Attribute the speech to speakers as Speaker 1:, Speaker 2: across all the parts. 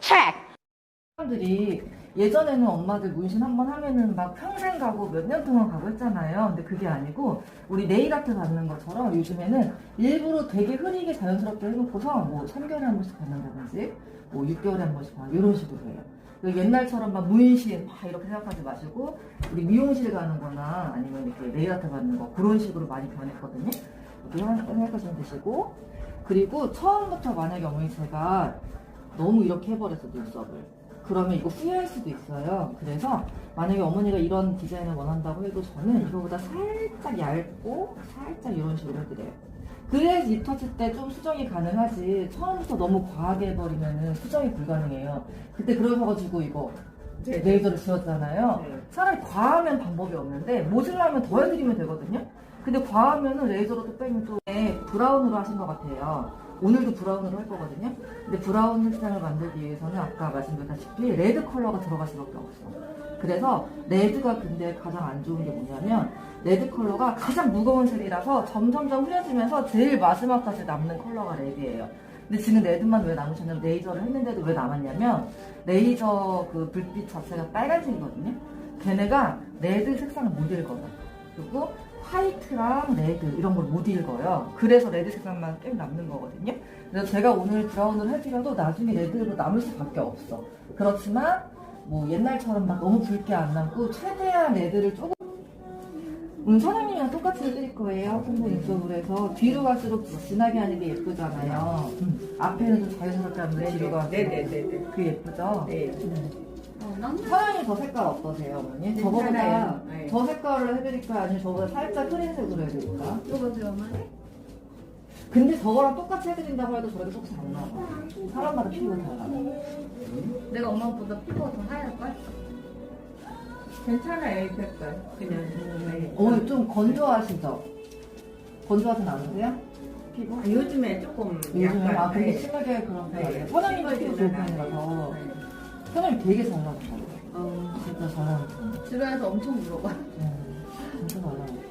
Speaker 1: 사람들이 예전에는 엄마들 문신 한번 하면은 막 평생 가고 몇 년 동안 가고 했잖아요. 근데 그게 아니고 우리 네일 아트 받는 것처럼 요즘에는 일부러 되게 흐리게 자연스럽게 해놓고서 뭐 3개월에 한 번씩 받는다든지 뭐 6개월에 한 번씩 받는 이런 식으로 해요. 옛날처럼 막 문신 막 이렇게 생각하지 마시고 우리 미용실 가는 거나 아니면 이렇게 네일 아트 받는 거 그런 식으로 많이 변했거든요. 이렇게 생각하시면 되시고, 그리고 처음부터 만약에 어머니 제가 너무 이렇게 해버렸어 눈썹을, 그러면 이거 후회할 수도 있어요. 그래서 만약에 어머니가 이런 디자인을 원한다고 해도 저는 이거보다 살짝 얇고 살짝 이런 식으로 해드려요. 그래야지 입터치 때 좀 수정이 가능하지 처음부터 너무 과하게 해버리면 수정이 불가능해요. 그때 그러셔가지고 이거 레이저를 지웠잖아요. 차라리 과하면 방법이 없는데 모질라면 더 해드리면 되거든요. 근데 과하면은 레이저로 또 빼면 또 브라운으로 하신 것 같아요. 오늘도 브라운으로 할 거거든요. 근데 브라운 색상을 만들기 위해서는 아까 말씀드렸다시피 레드 컬러가 들어갈 수밖에 없어. 그래서 레드가 근데 가장 안 좋은 게 뭐냐면 레드 컬러가 가장 무거운 색이라서 점점점 흐려지면서 제일 마지막까지 남는 컬러가 레드예요. 근데 지금 레드만 왜 남으셨냐면 레이저를 했는데도 왜 남았냐면 레이저 그 불빛 자체가 빨간색이거든요. 걔네가 레드 색상을 못 읽어요. 그리고 화이트랑 레드 이런 걸 못 읽어요. 그래서 레드 색상만 꽤 남는 거거든요. 그래서 제가 오늘 브라운을 해드려도 나중에 레드로 남을 수밖에 없어. 그렇지만 뭐 옛날처럼 막 너무 붉게 안 남고 최대한 레드를 조금 사장님이랑 똑같이 해드릴 거예요. 홍보 인쪽으로 해서 뒤로 갈수록 진하게 하는 게 예쁘잖아요. 앞에는 좀 자연스럽게 하는데 뒤로 갈수록
Speaker 2: 네네네네.
Speaker 1: 그게 예쁘죠?
Speaker 2: 네.
Speaker 1: 사장님 저 색깔 어떠세요, 어머니? 저거보다
Speaker 2: 네.
Speaker 1: 저 색깔로 해드릴까요? 아니면 저보다 살짝 흐린 색으로 해드릴까요?
Speaker 2: 이거죠, 어머니?
Speaker 1: 근데 저거랑 똑같이 해드린다고 해도 저렇게 똑같이 안 나와. 사람마다 피부가 달라.
Speaker 2: 내가 엄마보다 피부가 더 하얄걸? 괜찮아요, 이 색깔. 그냥.
Speaker 1: 어머니 좀 건조하시죠? 건조하진 않으세요? 피부?
Speaker 2: 요즘에 조금
Speaker 1: 요즘에
Speaker 2: 약간.
Speaker 1: 근데 심하게 그런 편 아니에요. 사장님 피부 좋은 편이라서 사장님 되게 잘 나왔어요. 진짜 잘 나왔어요.
Speaker 2: 주변에서 엄청 물어봐.
Speaker 1: 진짜 잘 나왔어요.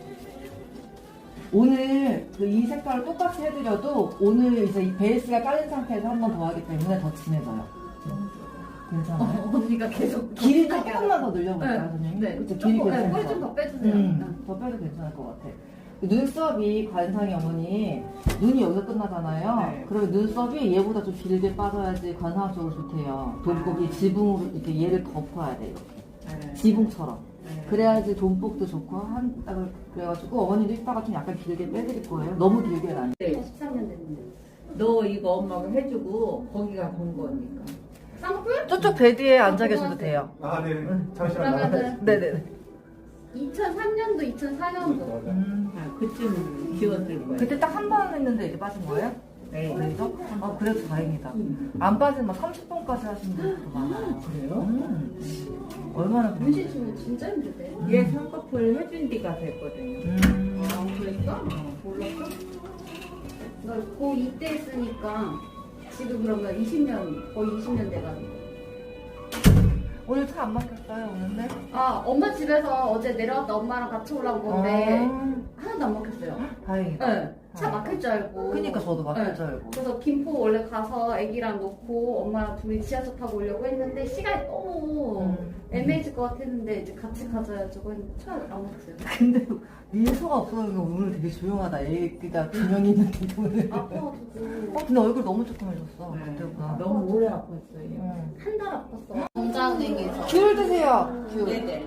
Speaker 1: 오늘 그 이 색깔을 똑같이 해드려도 오늘 이제 이 베이스가 깔린 상태에서 한 번 더 하기 때문에 더 진해져요. 괜찮아요?
Speaker 2: 언니가 계속
Speaker 1: 길이 조금만 더 늘려볼까요,
Speaker 2: 네.
Speaker 1: 선생님?
Speaker 2: 네.
Speaker 1: 그쵸, 길이 괜찮아요.
Speaker 2: 꿀 좀 더 빼주세요.
Speaker 1: 더 빼도 괜찮을 것 같아. 눈썹이 관상이 어머니 눈이 여기서 끝나잖아요.
Speaker 2: 네.
Speaker 1: 그러면 눈썹이 얘보다 좀 길게 빠져야지 관상적으로 좋대요. 돈복이 지붕으로 이렇게 얘를 덮어야 돼 이렇게
Speaker 2: 네.
Speaker 1: 지붕처럼.
Speaker 2: 네.
Speaker 1: 그래야지 돈복도 좋고 그래가지고 어머니도 이따가 좀 약간 길게 빼드릴 거예요. 너무 길게는 안 돼.
Speaker 2: 13년 됐는데. 너 이거 엄마가 해주고 거기가 본 거니까. 쌍뿔?
Speaker 1: 저쪽 베드에 앉아 계셔도 돼요.
Speaker 3: 아, 네. 잠시만.
Speaker 2: 그러면은
Speaker 1: 네네네.
Speaker 2: 2003년도, 2004년도. 그쯤 지웠을 거예요.
Speaker 1: 그때 딱 한 번 했는데 이제 빠진 거예요?
Speaker 2: 네.
Speaker 1: 그래서? 아, 그래도 다행이다. 안 빠지면 막 30분까지 하시는 분들도 많아요.
Speaker 2: 그래요?
Speaker 1: 얼마나
Speaker 2: 문신 치면 진짜 힘들대. 얘 쌍꺼풀 해준 지가 됐거든요. 아, 그랬어? 몰랐어? 나 고2 때 했으니까 지금 그러면 20년, 거의 20년 돼가지고.
Speaker 1: 오늘 차 안 막혔어요, 오는데?
Speaker 2: 아, 엄마 집에서 어제 내려왔다 엄마랑 같이 올라온 건데 하나도 안 막혔어요.
Speaker 1: 다행이다.
Speaker 2: 네, 차 막힐 줄 알고.
Speaker 1: 그니까 저도 막힐
Speaker 2: 네.
Speaker 1: 줄 알고.
Speaker 2: 그래서 김포 원래 가서 애기랑 놓고 엄마랑 둘이 지하철 타고 오려고 했는데 시간이 너무 애매해질 것 같았는데 이제 같이 가자 해가지고 했는데 차 안 막혔어요.
Speaker 1: 근데 민서가 없어서 오늘 되게 조용하다. 애기가 두 명이 있는데 오늘.
Speaker 2: 아파가지고
Speaker 1: 근데 얼굴 너무 조그매졌어. 그때보다.
Speaker 2: 너무 오래 아팠어요.
Speaker 1: 응.
Speaker 2: 한 달 아팠어. 건강행에서.
Speaker 1: 귤 드세요. 귤.
Speaker 2: 네네.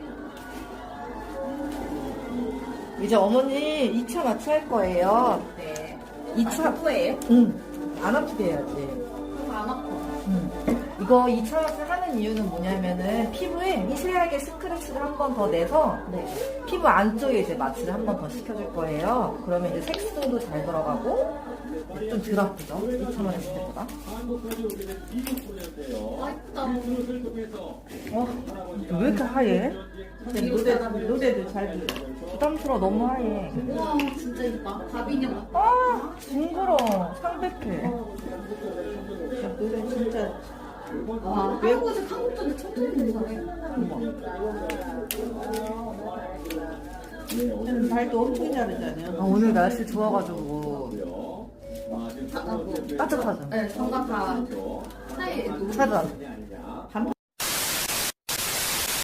Speaker 1: 이제 어머니 2차 마취할 거예요.
Speaker 2: 네.
Speaker 1: 2차.
Speaker 2: 후예요?
Speaker 1: 응. 안 아프게 해야지.
Speaker 2: 그럼 안 아파.
Speaker 1: 이거 2차 마취 하는 이유는 뭐냐면은 피부에 미세하게 스크래치를 한 번 더 내서
Speaker 2: 네.
Speaker 1: 피부 안쪽에 이제 마취를 한 번 더 시켜줄 거예요. 그러면 이제 색소도 잘 들어가고 좀 덜 아프죠? 2차만 했을 때보다.
Speaker 2: 맛있다.
Speaker 1: 왜 이렇게 하얘?
Speaker 2: 노래도 잘 들려.
Speaker 1: 부담스러워. 너무 하얘.
Speaker 2: 우와, 진짜 이거 밥이냐.
Speaker 1: 아 징그러워. 창백해.
Speaker 2: 노래 진짜. 와, 외국에서 한국 전에 천천히 잘해.
Speaker 4: 발도 엄청 자르잖아요.
Speaker 1: 오늘 날씨 좋아가지고
Speaker 2: 하고.
Speaker 1: 따뜻하죠?
Speaker 2: 네, 장갑 다 사이에
Speaker 1: 차단.